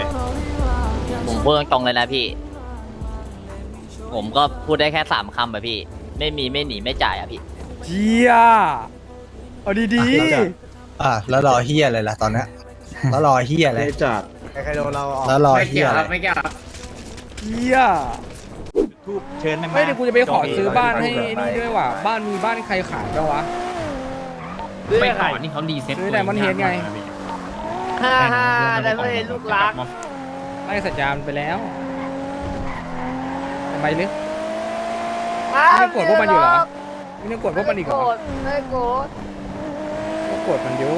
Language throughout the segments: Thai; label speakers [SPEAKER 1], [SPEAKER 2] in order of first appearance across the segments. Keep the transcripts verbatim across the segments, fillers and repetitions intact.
[SPEAKER 1] ผมพูดตรงๆเลยนะพี่ ผมก็พูดได้แค่สามคำแบบพี่ ไม่มีไม่หนีไม่จ่ายอ่ะพี่
[SPEAKER 2] เจียเอาดี
[SPEAKER 3] อ่ะแล้วรอเฮียอะไรล่ะตอนเนี้ยแล้วรอเฮียอะไร
[SPEAKER 4] จัด
[SPEAKER 3] ใครโดนเราแล้วรอเฮียอะไร
[SPEAKER 2] ๆเจีย
[SPEAKER 4] ทูบเชิญได้ไหม
[SPEAKER 2] ไม่เดี๋ยวกูจะไปขอซื้อบ้านให้นี่ด้วยว่ะบ้านมีบ้านใครขายบ้างวะ
[SPEAKER 5] ไปก่อนนี่เขารีเซ็ต
[SPEAKER 2] ซื้อแต่มันเห็นไง
[SPEAKER 1] ฮ่าฮ่าแต่ไม่เห็นลูกรัก
[SPEAKER 2] ไล่สัญญาณไปแล้วทำไมลึก ไม่โกรธพวกมันอยู่เหรอ ไม่ต้องกดพวกมันอีกเหรอ
[SPEAKER 1] ไม่โกรธ
[SPEAKER 2] ก็กดมันอยู่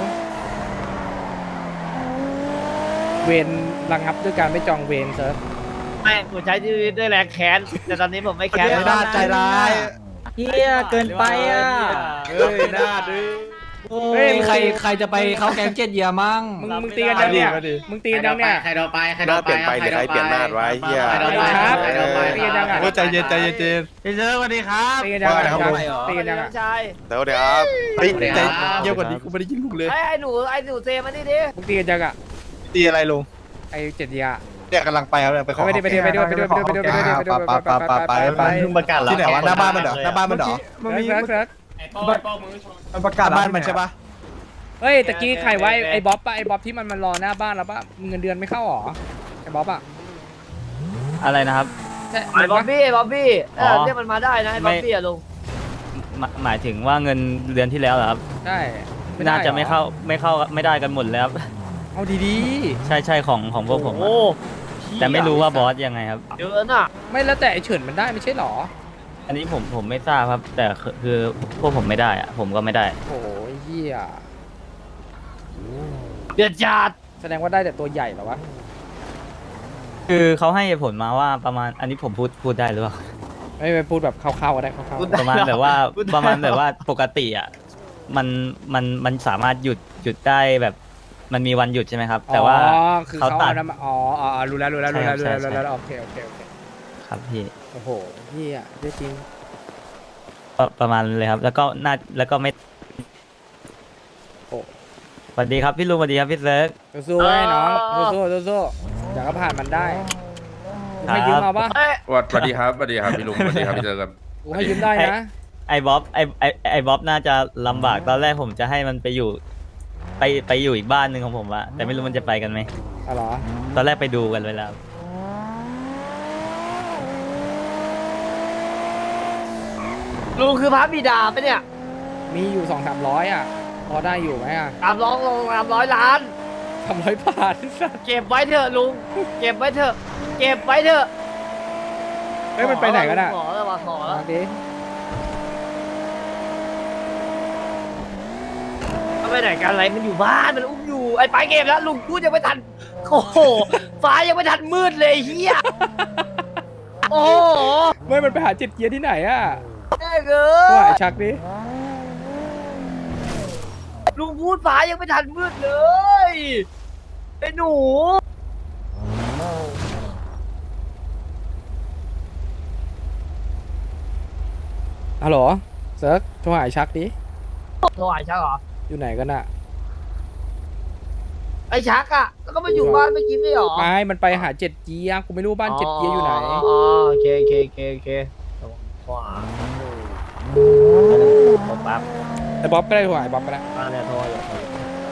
[SPEAKER 2] เวรระงับด้วยการไม่จองเวรเซิร์ฟ
[SPEAKER 1] ไม่ผมใช้ชีวิตด้วยแรงแค้นแต่ตอนนี้ผมไม่แค้น
[SPEAKER 3] ไม่ได้ใจร้าย
[SPEAKER 5] เฮียเกินไปอ่ะ
[SPEAKER 4] เฮ้ยหน้าดื้อ
[SPEAKER 2] เฮ้ย
[SPEAKER 5] ใครใครจะไปเข้าแก๊งเจ็ดเยียมั่ง
[SPEAKER 2] มึงมึงตีกันยังเนี่ย
[SPEAKER 4] มาดิ
[SPEAKER 2] มึงตีกันยังเนี่ย
[SPEAKER 6] ใครโดนไปใคร
[SPEAKER 7] ห
[SPEAKER 6] โด
[SPEAKER 7] น้าน เป
[SPEAKER 6] ไป
[SPEAKER 7] ลี่ยนไปหรือใครเปลี่ยนหน้าไว้เฮีย
[SPEAKER 6] ใครโดนไป
[SPEAKER 2] ครับ
[SPEAKER 6] ใครโดนไป
[SPEAKER 2] ตีกันยังอ่ะ
[SPEAKER 4] โอ้ใจเย็นใจเย็นเจน
[SPEAKER 6] พี่เซิร์ฟสวัสดีครับ
[SPEAKER 2] ตีกันยัง
[SPEAKER 3] ว่าไงครับ
[SPEAKER 2] ตีกันยังอ่ะ
[SPEAKER 1] ใช่
[SPEAKER 7] เดี๋ยวเดี๋ยวครับ
[SPEAKER 4] เฮ้ยใจเยี่ยมกว่านี้กูไม่ได้ยินลูกเลย
[SPEAKER 1] ไอ้ไอ้หนูไอ้หนูเซมานี่ดิ
[SPEAKER 2] มึงตีกันยังอ่ะ
[SPEAKER 3] ตีอะไรลุง
[SPEAKER 2] ไอ้เจ็ดเดีย
[SPEAKER 3] เนี่ยกำลังไปครับเนี่ยไปขอ
[SPEAKER 2] ไปดิไปดิไปดิไปดิไปดิไปดิไปดิไปดิไปดิ
[SPEAKER 3] ไปไปไปไปไป
[SPEAKER 4] เพิ่งประกาศแล้ว
[SPEAKER 3] ที่ไหนวะหน้าบ้านมันเหรอหน้าบ้านมันเหรอ
[SPEAKER 2] มันมีเซิร์ฟเซิร์ฟ
[SPEAKER 4] มันประกาศ
[SPEAKER 3] บ้านมันใช่ปะ
[SPEAKER 2] เฮ้ยตะกี้ใครไว้ไอ้บ๊อบป่ะไอ้บ๊อบที่มันมารอหน้าบ้านแล้วป่ะเงินเดือนไม่เข้าหรอไอ้บ๊อบอ่ะ
[SPEAKER 5] อะไรนะครับ
[SPEAKER 2] ใช่
[SPEAKER 1] ไอ้บ๊อบบี้ไอ้บ๊อบบี้เอ
[SPEAKER 5] อ๋
[SPEAKER 1] อ
[SPEAKER 5] อ
[SPEAKER 1] เรียกมันมาได้นะไอ้บ๊อบบี้อะลุง
[SPEAKER 5] หมายหมายถึงว่าเงินเดือนที่แล้วเหรอครับ
[SPEAKER 2] ใช่ด้
[SPEAKER 5] น่าจะ
[SPEAKER 2] หรอ
[SPEAKER 5] ไม่เข้าไม่เข้าไม่ได้กันหมดแล้วครับ
[SPEAKER 2] เอาดี
[SPEAKER 5] ใช่ใช่ของของพวกผมอะ
[SPEAKER 1] โอ้
[SPEAKER 5] แต่ไม่รู้ว่าบอสยังไงครับ
[SPEAKER 1] เยอะน่ะ
[SPEAKER 2] ๆไม่แล้วแต่ไอ้เฉินมันได้ไม่ใช่หรอ
[SPEAKER 5] อันนี้ผมผมไม่ทราบครับ แต่คือคือพวกผมไม่ได้อะผมก็ไม่ได้
[SPEAKER 2] โอ้ยเหี้ย
[SPEAKER 1] เดือดจัด
[SPEAKER 2] แสดงว่าได้แต่ตัวใหญ่เหรอวะ
[SPEAKER 5] คือเขาให้เหตุผลมาว่าประมาณอันนี้ผมพูดพูดได้หรือเปล่า
[SPEAKER 2] ไม่ไปพูดแบบคร่าวๆก็ได้คร่าว
[SPEAKER 5] ประมาณแบบว่าประมาณแบบว่าปกติอ่ะมันมันมันสามารถหยุดหยุดได้แบบมันมีวันหยุดใช่ไหมครับ
[SPEAKER 2] ๆ
[SPEAKER 5] แต่ว่า
[SPEAKER 2] อ๋อคือเขา
[SPEAKER 5] เขาตัด
[SPEAKER 2] เอาน้ำมาอ๋ออ๋อรู้แล้วรู้แล้วรู้แล้วรู้
[SPEAKER 5] ใช่
[SPEAKER 2] แล้ว
[SPEAKER 5] ใช่
[SPEAKER 2] รู้แล้วโอเคโอเคโอเค
[SPEAKER 5] ครับพี่
[SPEAKER 2] โอ้โหเหี้ยได้จริง
[SPEAKER 5] ประประมาณเลยครับ แล้วก็น่าแล้วก็ไม่
[SPEAKER 2] โอ้
[SPEAKER 5] สวัสดีครับพี่ลุงสวัสดีครับพี่เซิร์ก
[SPEAKER 2] สู้ๆไว้น้องสู้ๆสู้ๆเดี๋ยวก็ผ่านมันได้กูให้ยืม
[SPEAKER 5] ครับ
[SPEAKER 2] เอาปะ
[SPEAKER 1] เอ้ย
[SPEAKER 7] สวัสดีครับสวัสดีครับพี่ลุงสวัสดีครับพี่เจอกัน
[SPEAKER 2] กูให้ยืมได้นะ
[SPEAKER 5] ไอ้บ๊อบไอ้ไอ้ไอ้บ๊อบน่าจะลำบากตอนแรกผมจะให้มันไปอยู่ ไปไปอยู่อีกบ้านหนึ่งของผมอะแต่ไม่รู้มันจะไปกันไหม
[SPEAKER 2] อ๋อเหรอ
[SPEAKER 5] ตอนแรกไปดูกันไว้แล้ว
[SPEAKER 1] ลุงคือพระบิดาปะเนี่ย
[SPEAKER 2] มีอยู่สองสามร้อยอ่ะพอได้อยู่ไหมอ่ะ
[SPEAKER 1] ตามร้องลงตามร้อยล้าน
[SPEAKER 2] สามร้อยบาทสัส
[SPEAKER 1] เก็บไว้เถอะลุง เก็บไว้เถอะ เก็บไว้เถอะ
[SPEAKER 2] เฮ้ยมันไปไหนกันอ่ะ
[SPEAKER 1] ขอแล้วว่ะขอแล้ว
[SPEAKER 2] มาดิ
[SPEAKER 1] มันไปไหนกันอะไรมันอยู่บ้านมันอุ้มอยู่ไอ้ไปเก็บแล้วลุงพูดยังไม่ทันโอ้โหฟ้ายังไม่ทันมืดเลยไอ้เฮียโอ้โห
[SPEAKER 2] ไม่มันไปหาจิตเกียร์ที่ไหนอ่ะ
[SPEAKER 1] แม่เกิ
[SPEAKER 2] ก็หาย
[SPEAKER 1] น
[SPEAKER 2] ชักดิ
[SPEAKER 1] ลุงพูดฟ้ายังไม่ทันมืดเลยไอ้หนู
[SPEAKER 2] ฮัลโหลเซิร์กโทรหาไอ้ชักดิ
[SPEAKER 1] โทรหาชักเหรอ
[SPEAKER 2] อยู่ไหนกันอ่ะ
[SPEAKER 1] ไอ้ชักอะแล้วก็มาอยู่บ้านไม่กินไม่หรอ
[SPEAKER 2] ไม่มันไปหาเจ็ดเกียร์กูไม่รู้บ้านเจ็ดเกียร์อยู่ไหน
[SPEAKER 1] อ๋อโอเคโอเคโอเคโอเคโทรหาโทรปั๊บ
[SPEAKER 2] แต่บ๊อบก็ได้โทรหาไอ้บ๊อบก็ได้
[SPEAKER 1] มาเนี่ยโทรอยู่โทรอยู่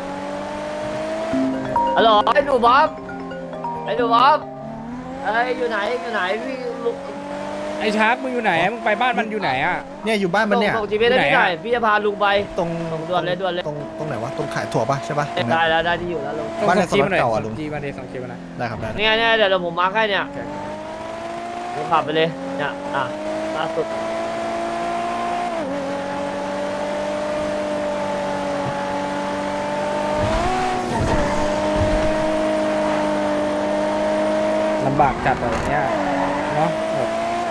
[SPEAKER 1] ฮัลโหลไอ้หนูบ๊อบไอ้หนูบ๊อบไอ้ยอยู่ไหนอยู่ไหนพี่ลุง
[SPEAKER 2] ไอ้ชักมึงอยู่ไหนมึงไปบ้านมันอยู่ไหนอ่ะ
[SPEAKER 3] เนี่ยอยู่บ้านมันเนี่ย
[SPEAKER 1] ส่งจีพีได้ที่ไหนพี่จะพาลุงไป
[SPEAKER 3] ตรง
[SPEAKER 1] ส่งด่วนเลยด่วนเลย
[SPEAKER 3] ตรงตรงไหนวะตรงขายถั่วปะใช่ปะตรง
[SPEAKER 1] ได้
[SPEAKER 3] นั้น
[SPEAKER 1] แล้วได้ที่อยู่แล้วลุง
[SPEAKER 2] ส่ง
[SPEAKER 3] บ้านใน
[SPEAKER 2] ส่งจีมาหน่อย
[SPEAKER 3] สล็อตเก่าอะลุง
[SPEAKER 2] ส่งจีมาเดส่งจีมาหน่อย
[SPEAKER 3] ได้ครับได้
[SPEAKER 1] เนี่ยเนี่ยเดี๋ยวเดี๋ยวผมมาร์คให้เนี่ยลุงขับไปเลยเนี่ยอ่ะล่าสุด
[SPEAKER 2] ลำบากจัดอะไรเนี้ยเนาะแบบ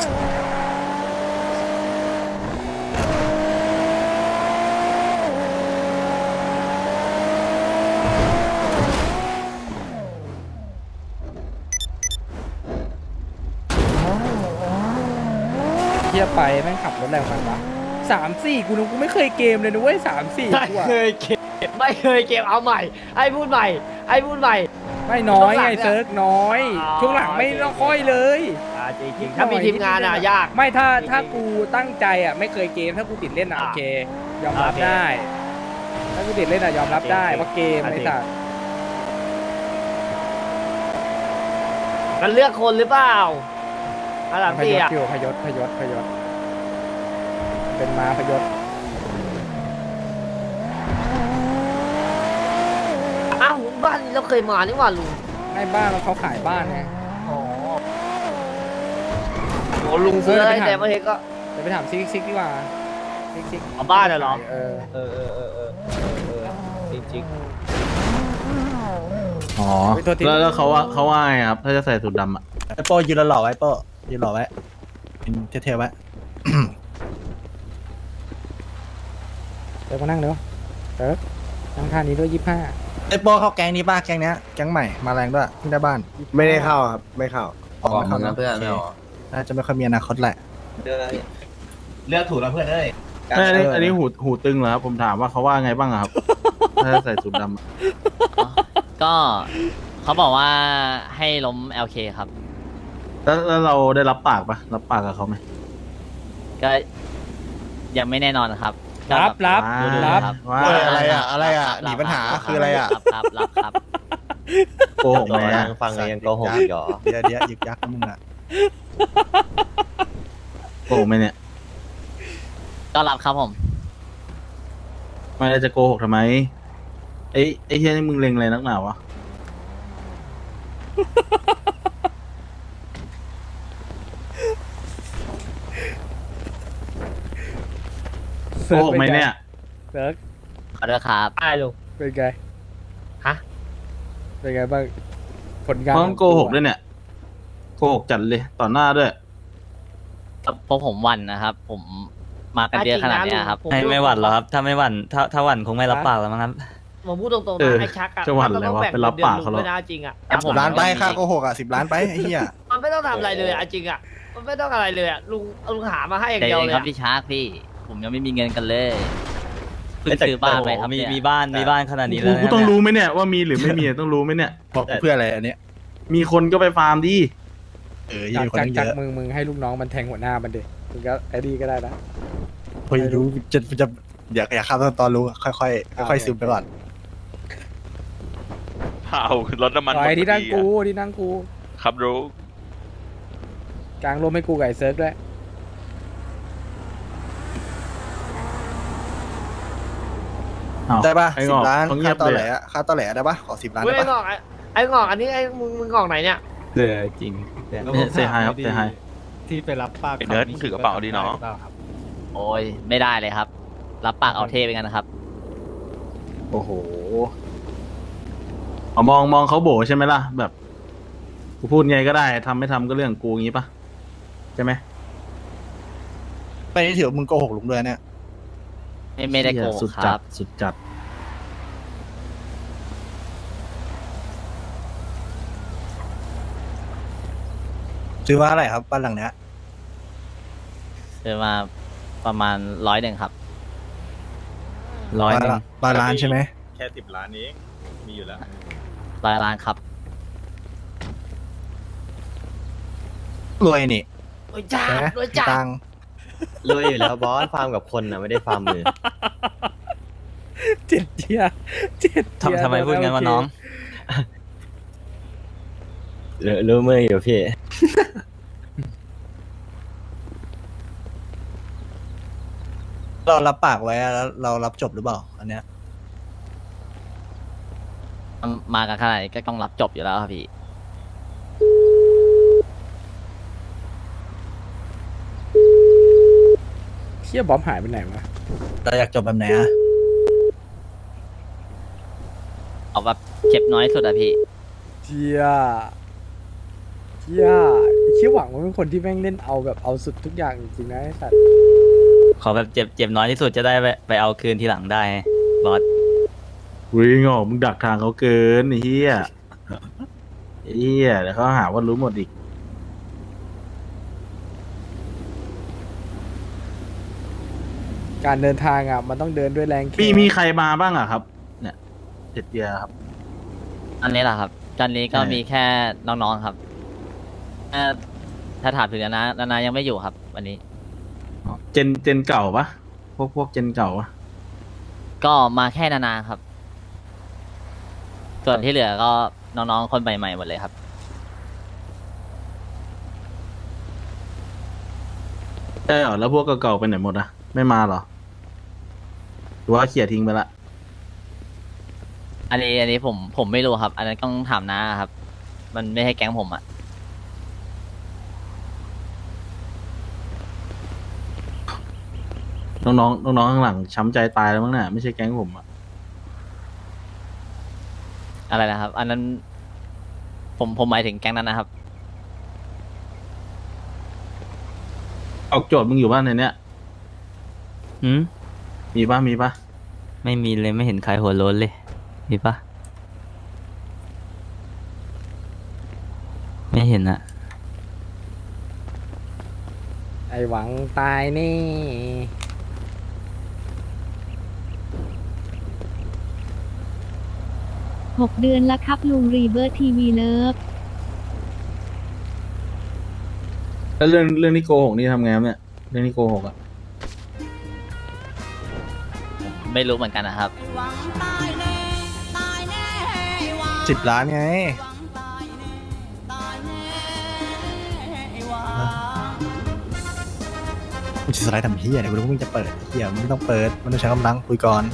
[SPEAKER 2] เทียบไปแม่งขับรถแรงมันวะสามสี่กูนึกกูไม่เคยเกมเลยนะเว้ยสามสี่
[SPEAKER 1] ไม่
[SPEAKER 2] กูอะ
[SPEAKER 1] เคยเก็บไม่เคยเก็บเอาใหม่ไอ้พูดใหม่ไอ้พูดใหม่
[SPEAKER 2] ไม่ไม่น้อย
[SPEAKER 1] ช่วงหลั
[SPEAKER 2] ไง
[SPEAKER 1] งเนี่ย
[SPEAKER 2] เซิร์กน้อย
[SPEAKER 1] อ๋อ
[SPEAKER 2] ช่วงหลังไม่ต้องค่อยเลย
[SPEAKER 1] อ่าจริงๆถ้ามีทีมงานอ่ะยาก
[SPEAKER 2] ไม่ถ้า
[SPEAKER 1] จริงๆ
[SPEAKER 2] ถ้ากูตั้งใจอ่ะไม่เคยเกมถ้ากูติดเล่นอ่ะ
[SPEAKER 1] อ่า
[SPEAKER 2] โอเค ยอมรับ
[SPEAKER 1] โอเค
[SPEAKER 2] ได้ ถ้ากูติดเล่นอ่ะยอมรับได้
[SPEAKER 1] จริงๆ
[SPEAKER 2] ว่าเกม
[SPEAKER 1] อ่ะ
[SPEAKER 2] ไอ้
[SPEAKER 1] จริง
[SPEAKER 2] สัส
[SPEAKER 1] มันเลือกคนหรือเปล่าอันดับ
[SPEAKER 2] พ
[SPEAKER 1] สี่
[SPEAKER 2] ยศ
[SPEAKER 1] อ่ะ
[SPEAKER 2] อยู่พยศพยศพยศเป็นมาพยศ
[SPEAKER 1] อ้าวบ้านนี้เราเคยมานี่หว่าลุง
[SPEAKER 2] ให้บ้านแล้วเขาขายบ้านไง
[SPEAKER 1] อ๋อโหลุงซื้ออะไรแต่เมื่อกี้ก็
[SPEAKER 2] เดี๋ยวไปถามซิกซิกดีกว่าซิกซิก
[SPEAKER 1] เอาบ้านเหรอ
[SPEAKER 2] เออ
[SPEAKER 1] เออเออเออเออเออจริง
[SPEAKER 3] อ๋อ
[SPEAKER 2] ไปโทษที
[SPEAKER 6] แล้วแล้วเขาว่าเขาว่าไงครับ ถ้าจะใส่สูทดำอ่ะ
[SPEAKER 3] ไอ้โป้ยืนหล่อๆไว้โป้ยืนหล่อไว้เป็นเท่ๆไว้
[SPEAKER 2] เดี๋ยวมานั่งเดี๋ยวเออนั่งท่านี้ด้วยยี่ห้า
[SPEAKER 3] ไอ้โป้เข้าแก๊งนี้ป่ะแก๊งเนี้ยแก๊งใหม่มาแรงด้วยเพิ่งได้บ้าน
[SPEAKER 4] ไม่ได้เข้าครับ ไม่เข้า
[SPEAKER 3] ออกมาเพื่อนน่าจะไม่ค่อยมีอนาคตแหละ
[SPEAKER 8] เลือกถูกแล้วเพื่อนเอ้ย
[SPEAKER 6] อันนี้อันนี้หูหูตึงเหรอครับ ผมถามว่าเขาว่าไงบ้างอะครับ ถ้าจะใส่สูทดำอะ
[SPEAKER 9] ก็เขาบอกว่าให้ล้ม แอล เค ครับ
[SPEAKER 6] แล้วแล้วเราได้รับปากปะรับปากกับเขาไหม
[SPEAKER 9] ก็ยังไม่แน่นอนครับก็
[SPEAKER 2] รับรับ
[SPEAKER 6] ว้า
[SPEAKER 2] รับ
[SPEAKER 9] ครับ
[SPEAKER 6] ว่า
[SPEAKER 3] เอออะไรอะอะไรอะหนีปัญหาคืออะไรอะ
[SPEAKER 9] รับครับรับครับ
[SPEAKER 6] โกหกไหมอะ
[SPEAKER 3] ฟังยังโกหกอีกเหรอเดี๋ยวเดี๋ยวยึกยักษ์นะมึงอะ
[SPEAKER 6] โกหกไหมเนี่ย
[SPEAKER 9] ก็รับครับผม
[SPEAKER 6] ไม่ได้จะโกหกทำไมไอ้ไอ้เฮียนี่มึงเล็งอะไรนักหนาวะโกหกไหมเนี่ย
[SPEAKER 2] เซิร์ก
[SPEAKER 9] ขอโทษครับ
[SPEAKER 1] ๆได้ลุง
[SPEAKER 2] เป็นไง
[SPEAKER 1] ฮะ
[SPEAKER 2] เป็นไงบ้างผลงาน
[SPEAKER 6] เพราะมันโกหกด้วยเนี่ยโกหกจัดเลยต่อหน้าด้วย
[SPEAKER 9] เพราะผมหวันนะครับ ผมมากันเยอะขนาดเนี้ยครับ
[SPEAKER 1] ผม
[SPEAKER 5] ให้ไม่หวั่นหรอกครับ ถ้าไม่หวั่นถ้าถ้าหวั่นคงไม่รับปากแล้วมั้งครับ
[SPEAKER 1] ผมพูดตรงๆ
[SPEAKER 6] เอ
[SPEAKER 1] นะ
[SPEAKER 6] อ
[SPEAKER 1] ไอ้ชักอะ
[SPEAKER 6] จะหวั่นอะไรวะ
[SPEAKER 1] มัต้งแบ่ง
[SPEAKER 6] ไปรับปากเขาหรอ
[SPEAKER 1] งินดือนลุงด้วยนะจริงอะ
[SPEAKER 9] แต่ผม
[SPEAKER 3] ล้านไปค่าโกหกอ่ะสิบล้านไปไอ้เหี้ย
[SPEAKER 1] มันไม่ต้องทำอะไรเลยอะจริงอะมันไม่ต้องอะไรเลยอะลุงลุงหามาให้อย่าง
[SPEAKER 9] ใจ
[SPEAKER 1] เดียว
[SPEAKER 9] เย็น
[SPEAKER 1] เลย
[SPEAKER 9] ครับ
[SPEAKER 1] อะ
[SPEAKER 9] พี่ชาร์กพี่ ผมยังไม่มีเงินกันเลยเพิ่งซื้อบ้านไปครับ
[SPEAKER 5] มี
[SPEAKER 9] เนี่ย
[SPEAKER 5] มีบ้านมีบ้านขนาดนี้
[SPEAKER 6] กู
[SPEAKER 5] แล้ว
[SPEAKER 6] กู
[SPEAKER 5] นะ
[SPEAKER 6] ต้อง
[SPEAKER 5] เนี่ย
[SPEAKER 6] รู้ไหมเนี่ยว่ามีหรือไม่มีต้องรู้ไหมเนี่ย
[SPEAKER 3] บอกเพื่ออะไรอันเนี้ย
[SPEAKER 6] มีคนก็ไปฟาร์มดิ
[SPEAKER 3] เออ
[SPEAKER 2] จา
[SPEAKER 3] ยื
[SPEAKER 2] ก
[SPEAKER 3] นคน
[SPEAKER 2] จาก
[SPEAKER 3] ตั้งเย
[SPEAKER 2] จาก
[SPEAKER 3] อะ
[SPEAKER 2] มึงมึงให้ลูกน้องมันแทงหัวหน้ามันดิมึงก็ไอ้ดีก็ได้นะ
[SPEAKER 3] พอรู้จะจะอยากอยากข้ามตอนตอนรู้ค่อยค่อยๆค่อยๆซึมไปก่อน
[SPEAKER 7] เอารถน้ำมัน
[SPEAKER 2] ปล่อยที่นั่งกูที่นั่งกู
[SPEAKER 7] ครับรู้
[SPEAKER 2] กลางร่มให้กูกับไอ้เซิร์กด้วย
[SPEAKER 6] อ้าว
[SPEAKER 3] ได้ป่ะ
[SPEAKER 6] ไอ้
[SPEAKER 3] สิ
[SPEAKER 6] ง
[SPEAKER 3] บอก ล้าน
[SPEAKER 6] เขาเงี
[SPEAKER 3] ค่าย
[SPEAKER 6] บ
[SPEAKER 3] ตอ
[SPEAKER 6] เล
[SPEAKER 3] แหล
[SPEAKER 6] ย
[SPEAKER 3] อะค่าตอแหลได้ป่ะขอสิบล้าน
[SPEAKER 1] เว้ย
[SPEAKER 3] ได้
[SPEAKER 1] ไอ้ง
[SPEAKER 3] ป่ะ
[SPEAKER 1] อกไอ้ไอ้งอกอันนี้ไอ้มึงมึงงอกไหนเนี่ย
[SPEAKER 5] เออจริง
[SPEAKER 6] เซฮายครับเซฮาย
[SPEAKER 4] ที่ไปรับปาก
[SPEAKER 7] ไอ้เนิร์ดถือกระเป๋าดีเนาะ
[SPEAKER 9] โอ้ยไม่ได้เลยครับ รับปากเอาเทไปกันนะครับ
[SPEAKER 6] โอ้โหเอามองมองเขาโบใช่ไหมล่ะ แบบกูพูดไงก็ได้ทำไม่ทำก็เรื่องกูงี้ปะใช่ไหม
[SPEAKER 3] ไปนี่ถือว่ามึงโกหกลุงด้วยเนี่ย
[SPEAKER 9] ไม่ไม่ได้โกง
[SPEAKER 6] สุด
[SPEAKER 9] ค
[SPEAKER 6] จั
[SPEAKER 9] รั
[SPEAKER 6] ด
[SPEAKER 9] บ
[SPEAKER 6] สุดจัด
[SPEAKER 3] ซื้อมาเท่าไหร่ครับบ้านหลังเนี้ย
[SPEAKER 9] ซื้อมาประมาณร้อยหนึ่งครับ
[SPEAKER 5] ร้อยหนึ่ง
[SPEAKER 3] บ้านล้านใช่ไหม
[SPEAKER 8] แค่สิบล้านเองมีอยู่แล้ว
[SPEAKER 9] ร้อยล้านครับ
[SPEAKER 3] รวยนี่
[SPEAKER 1] รวยจ้า
[SPEAKER 3] ใช่ไหม
[SPEAKER 1] รวยจ้า
[SPEAKER 3] ตังค์
[SPEAKER 8] รวยอยู่แล้วบอส ฟาร์มกับคนนะไม่ได้ฟาร์มมือ
[SPEAKER 2] เจ็ดเจียเจ็ดเจีย
[SPEAKER 5] ทำทำไมพูดงั้นวะน้อง
[SPEAKER 8] รู้มืออยู่พี่
[SPEAKER 3] เรารับปากไว้อะแล้วเรารับจบหรือเปล่า อันเนี้ย
[SPEAKER 9] มากันขนาดนี้ก็ต้องรับจบอยู่แล้วครับพี่
[SPEAKER 2] เชี่ยบ๊อบหายไปไหนวะ
[SPEAKER 3] เราอยากจบแบบไหนอะ
[SPEAKER 9] เอาแบบเจ็บน้อยสุดอะพี่
[SPEAKER 2] เจียเจียไอ้เชี่ยหวังว่าเป็นคนที่แม่งเล่นเอาแบบเอาสุดทุกอย่างจริงๆนะไอ้สัตว์
[SPEAKER 5] ขอแบบเจ็บเจ็บน้อยที่สุดจะได้ไปไปเอาคืนทีหลังได้บอส
[SPEAKER 6] วิ่งออกมึงดักทางเขาเกินไอ้เหี้ยไอ้เหี้ยเดี๋ยวเขาหาว่ารู้หมดอีก
[SPEAKER 2] การเดินทางอ่ะมันต้องเดินด้วยแรงแขน
[SPEAKER 6] มีมีใครมาบ้างอะครับ เนี่ยเจ็ดเดียครับ
[SPEAKER 9] อันนี้แหละครับตอนนี้ก็
[SPEAKER 6] ใช่
[SPEAKER 9] มีแค่น้องๆครับเอ่อถ้าถามถึงนานานานายังไม่อยู่ครับ วันนี้
[SPEAKER 6] เจนเจนเก่าปะพวกพวกเจนเก่าปะ
[SPEAKER 9] ก็มาแค่นานาครับ ส่วนที่เหลือก็น้องๆคนใหม่ๆหมดเลยครับ
[SPEAKER 6] ใช่เหรอแล้วพวกเก่าๆไปไหนหมดอะไม่มาเหรอหรือว่าเขี่ยทิ้งไปละ
[SPEAKER 9] อันนี้อันนี้ผมผมไม่รู้ครับ อันนั้นต้องถามน้าครับ มันไม่ใช่แก๊งผมอะ
[SPEAKER 6] น้องๆน้องๆข้างหลังช้ำใจตายแล้วมั้งเนี่ยไม่ใช่แก๊งผมอะ
[SPEAKER 9] อะไรนะครับ อันนั้น ผมผมหมายถึงแก๊งนั้นนะครับ
[SPEAKER 6] ออกโจทย์มึงอยู่บ้านในเนี้ย
[SPEAKER 5] หืม
[SPEAKER 6] มีปะมีปะ
[SPEAKER 5] ไม่มีเลยไม่เห็นใครหัวโล้นเลย มีปะไม่เห็นอะ
[SPEAKER 2] ไอหวังตายนี่
[SPEAKER 10] หกเดือนละครับลุงรีเบิร์ทีวีเลิฟ
[SPEAKER 6] แล้วเรื่องเรื่องที่โกหกนี่ทำไงครับเนี่ยเรื่องที่โกหกอะ
[SPEAKER 9] ไม่รู้เหมือนกันนะครับ
[SPEAKER 3] สิบล้านไงมึงจะสไลด์ทำเฮียเนี่ยกูรู้ว่ามึงจะเปิดเฮียมึงไม่ต้องเปิดมันต้องใช้กำลังคุยก่อน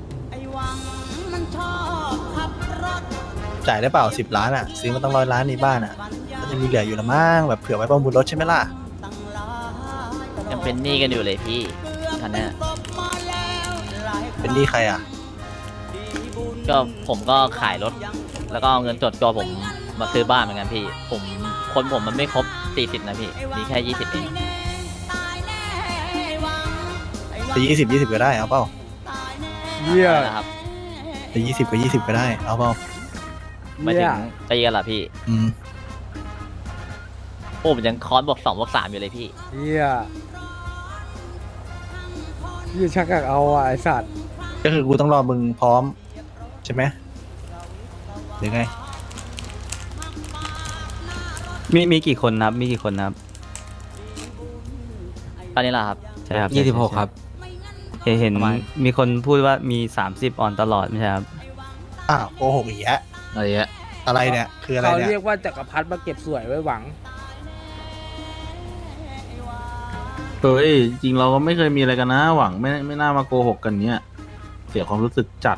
[SPEAKER 3] จ่ายได้เปล่าสิบล้านอ่ะซื้อมาตั้งร้อยล้านในบ้านอ่ะก็จะมีเหลืออยู่ละมั้งแบบเผื่อไว้ประมูลรถใช่ไหมล่ะ
[SPEAKER 9] ยังเป็นหนี้กันอยู่เลยพี่คันเนี้ย
[SPEAKER 3] เป็นหนี้ใครอ่ะ
[SPEAKER 9] ก็ผมก็ขายรถ แล้วก็เอาเงินสดตัวผมมาซื้อบ้านเหมือนกันพี่ ผมคนผมมันไม่ครบสี่สิบนะพี่ มีแค่ยี่สิบเอง
[SPEAKER 3] จะยี่สิบยี่สิบก็ได้เอาเปล่า
[SPEAKER 2] เยี่ย
[SPEAKER 9] อะไรนะครับ
[SPEAKER 3] จะยี่สิบก็ยี่สิบก็ได้เอาเปล่า
[SPEAKER 9] หมายถึ
[SPEAKER 2] เยี่ย
[SPEAKER 9] งตีกันเหรอพี่
[SPEAKER 3] อืม
[SPEAKER 9] โอ้ผมยังคอนบวกสองบวกสามอยู่เลยพี่
[SPEAKER 2] เยี่ยเยี่ยชักอยากเอาอ่ะไอสัตว์
[SPEAKER 3] ก็คือกูต้องรอมึงพร้อมใช่ไหมหรือไง
[SPEAKER 5] มีมีกี่คนนะครับ มีกี่คนนะครับ
[SPEAKER 9] ตอนนี้เหรอครับ
[SPEAKER 5] ใช่ครับ
[SPEAKER 8] ยี่สิบหกครับ
[SPEAKER 5] เห็นเห็น
[SPEAKER 9] ประมาณ
[SPEAKER 5] มีคนพูดว่ามีสามสิบออนตลอดไม่ใช่ครับ
[SPEAKER 3] อ้าวโกหกอีกแล้ว
[SPEAKER 8] อะไรเงี้ย
[SPEAKER 3] อะไรเนี่ยคืออะไร
[SPEAKER 2] เขา
[SPEAKER 3] เนี่ย
[SPEAKER 2] เรียกว่าจักรพรรดิมาเก็บสวยไว้หวัง
[SPEAKER 6] เฮ้ยจริงเราก็ไม่เคยมีอะไรกันนะ หวังไม่ไม่น่ามาโกหกกันเนี้ยเสียความรู้สึกจัด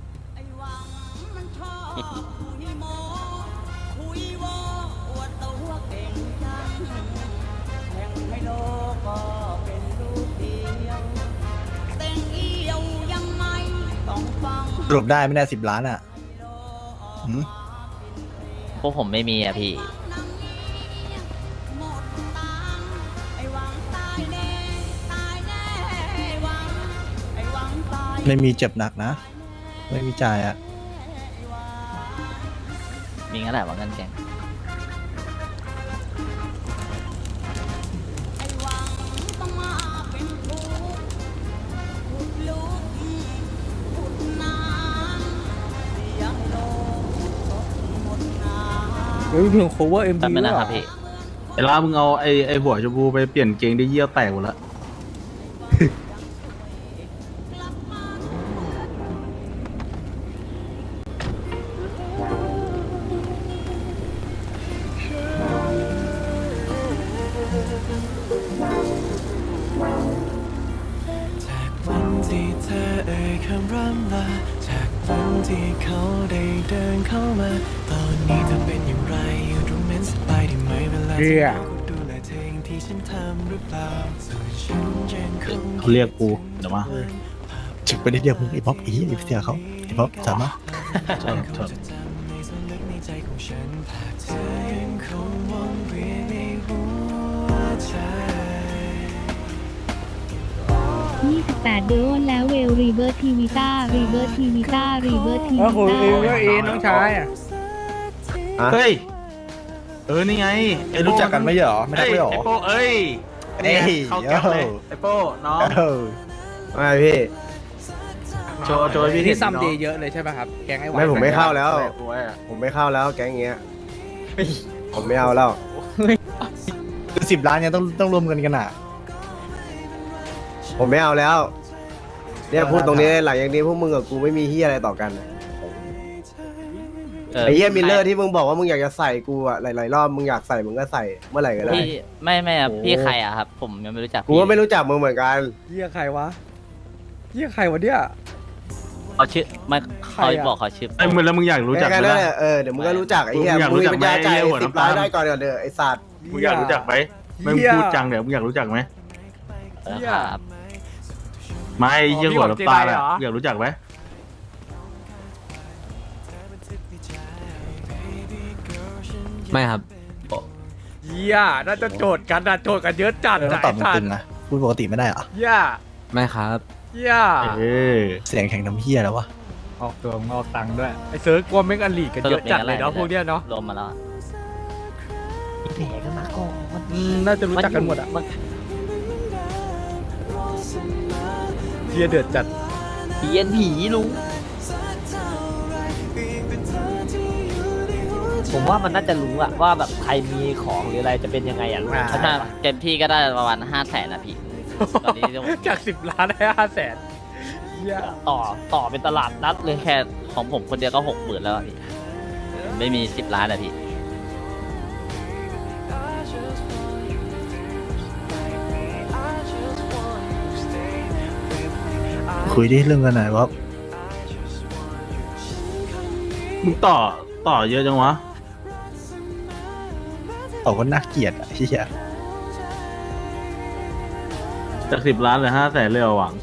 [SPEAKER 3] สรุปได้ไม่ได้สิบล้านอ่ะหืม
[SPEAKER 9] พวกผมไม่มีอะพี่
[SPEAKER 3] ไม่มีเจ็บหนักนะ ไม่มีจ่ายอ่ะ
[SPEAKER 9] มีงั้นแหละว่าเงินแกง
[SPEAKER 2] เฮ้ยเพลง cover เอ็ม
[SPEAKER 9] แป๊บ
[SPEAKER 2] วี
[SPEAKER 9] นึง
[SPEAKER 2] ด้วย
[SPEAKER 9] นะ
[SPEAKER 2] เห
[SPEAKER 9] ค
[SPEAKER 2] ร
[SPEAKER 9] รั
[SPEAKER 2] อบ
[SPEAKER 9] พี่
[SPEAKER 6] ไอ้ล่ามึงเอาไอ้ไอ้หัวชมพูไปเปลี่ยนเกงได้เยี่ยวแตกหมดละ
[SPEAKER 11] จากวันที่เธอเอ่ยคำร่ำลาจากวันที่เขาได้เดินเข้ามา ตอนนี้เธอเป็นอย่างไรอยู่ตรงนั้นสบายดีไหมเวลา
[SPEAKER 2] เยี่
[SPEAKER 11] ที่
[SPEAKER 2] ย
[SPEAKER 11] เราดูแลเธออย่างที่ฉันทำหรือเปล่าส่วนฉันยังคง
[SPEAKER 6] เขาเรียกกูเดี๋ยวมา
[SPEAKER 3] จึกไปได้เดียวมึงไอ้บ๊อบอีไอ้เสียเขาไอ้บ๊อบสามารถ
[SPEAKER 6] ชนชน
[SPEAKER 11] จำในส่วนลึกในใจของฉันภาพเธอยังคงวนเวียนในหัวใจ
[SPEAKER 10] ยี่สิบแปดเดือนแล้วเวลรีเบิร์ทีวีต้ารีเบิร์ทีวีต้ารีเบิร์ที
[SPEAKER 2] เอ
[SPEAKER 10] วี
[SPEAKER 2] อคุย
[SPEAKER 10] ต้า
[SPEAKER 2] เองก็เองน้องชายอ่ะ
[SPEAKER 6] เฮ้ยเออนี่ไง
[SPEAKER 3] ไอ้รู้จักกันไม่เหรอไม่ได้
[SPEAKER 6] เอ้ย
[SPEAKER 3] ไม่เหรอ
[SPEAKER 6] ไอ้โป้เอ้ย
[SPEAKER 3] เอ้ย
[SPEAKER 6] เข้าแก๊ปเลย
[SPEAKER 3] โย่
[SPEAKER 6] ไอ้โป้น้อง
[SPEAKER 4] ไม่พี่
[SPEAKER 3] ช
[SPEAKER 6] โจโจให้พี่
[SPEAKER 2] นี่
[SPEAKER 6] เห็น
[SPEAKER 2] ซัม
[SPEAKER 6] เนาะ
[SPEAKER 2] เดย์เยอะเลยใช่ไหมครับแก๊งไอ้หวาน
[SPEAKER 4] ไม่ผมไม่เข้าแล้ว
[SPEAKER 6] โอ้ย
[SPEAKER 4] ผมไม่เข้าแล้วแก๊งเงี้ย ผมไม่เอาแล้ว
[SPEAKER 3] คือสิบล้านเนี่ยต้องต้องรวมเงินกันอ่ะ
[SPEAKER 4] ผมไม่เอาแล้ว เนี่ยพูดตรงนี้หลังอย่างนี้พวกมึงกับกูไม่มีเฮียอะไรต่อกัน
[SPEAKER 9] เออ
[SPEAKER 4] ไอ้เฮียมิลเลอร์ที่มึงบอกว่ามึงอยากจะใส่กูอะหลายๆรอบมึงอยากใส่มึงก็ใส่เมื่อไหร่ก็ได้
[SPEAKER 9] พี่ไม่ไม่ครับพี่ใครอะครับ ผมยังไม่รู้จัก
[SPEAKER 4] กูก็ไม่รู้จักมึงเหมือนกัน
[SPEAKER 2] เหี้ยใครวะเหี้ยใครวะเนี่ย
[SPEAKER 9] เขาชื่อไม่
[SPEAKER 2] ใคร
[SPEAKER 9] เขา
[SPEAKER 2] อะ
[SPEAKER 9] บอกเขาชื่อ
[SPEAKER 6] ไอ้มึงแล้วมึงอยากรู้จักไหม
[SPEAKER 4] แค่นั้น
[SPEAKER 6] ล่ะ
[SPEAKER 4] แหละเออเดี๋ยวมึงก็รู้จักไอ้เฮีย
[SPEAKER 6] มึงอยาก
[SPEAKER 4] มึ
[SPEAKER 6] รู้
[SPEAKER 4] ง
[SPEAKER 6] จัก
[SPEAKER 4] เป็นยาจ่าย
[SPEAKER 6] ไหมไอ้หัว
[SPEAKER 4] สิบ
[SPEAKER 6] น้ำตา
[SPEAKER 4] ล้า
[SPEAKER 6] ล
[SPEAKER 4] นได้ก่อนเดี๋ยวเด้อไอ้สัตว์
[SPEAKER 6] มึงอยากรู้จักไหมมึง
[SPEAKER 2] เหี้ย
[SPEAKER 6] พูดจังเดี๋ยวมึงอยากรู้จักไหม
[SPEAKER 9] เออครับ
[SPEAKER 6] ไม่ไอ้เหี้ยหัวน้ำตาล
[SPEAKER 2] พี่
[SPEAKER 6] อะ
[SPEAKER 2] หวังเจไดเหรอ
[SPEAKER 6] อยากรู้จักไหม
[SPEAKER 8] ไม่ครับ
[SPEAKER 2] เหี้ยน่าจะโจทย์กันนะโจทย์กันเยอะจัด
[SPEAKER 3] เออต้องตอบตึงๆนะพูดปกติไม่ได้เหรอ
[SPEAKER 2] เหี้ย
[SPEAKER 8] ไม่ครับ
[SPEAKER 2] เหี้ย
[SPEAKER 6] เออ
[SPEAKER 3] เสียงแข็งน้ำเฮียแล้ววะ
[SPEAKER 2] ออกตัวงอกตังค์ด้วยไอ้เซิร์ฟกลัวเมกอันลีกกันเยอะจัดเลยเนาะพวกเนี้ยเนาะ
[SPEAKER 9] รวมมาแล้วอะ
[SPEAKER 1] แผลกันมาก่อน
[SPEAKER 2] อืมน่าจะรู้จักกันหมดอ่ะ
[SPEAKER 1] มัน
[SPEAKER 2] เหี้ยเดือดจัด
[SPEAKER 1] เพี้ยนผีลุงผมว่ามันน่าจะรู้อะว่าแบบใครมีของหรืออะไรจะเป็นยังไงอะลุง
[SPEAKER 2] อ่า
[SPEAKER 1] เข้าใจ
[SPEAKER 9] ถ้า
[SPEAKER 1] ปะ
[SPEAKER 9] เต็มที่ก็ได้ประมาณห้าแสนนะพี่ ตอนนี้ต้อง
[SPEAKER 2] จากสิบล้านได้ห้าแสนเหี้ย
[SPEAKER 1] ต่อต่อเป็นตลาดนัดเลย
[SPEAKER 9] แค่ของผมคนเดียวก็หกหมื่นแล้วอะพี่ ไม่มีสิบล้านอะพี่
[SPEAKER 3] คุยได้เรื่องกันหน่อยว่า
[SPEAKER 6] มึงต่อต่อเยอะจังวะ
[SPEAKER 3] ต่อก็น่าเกลียดอ่ะเฮีย
[SPEAKER 6] จากสิบล้านเหลือห้าแสนเลยเหรอหวัง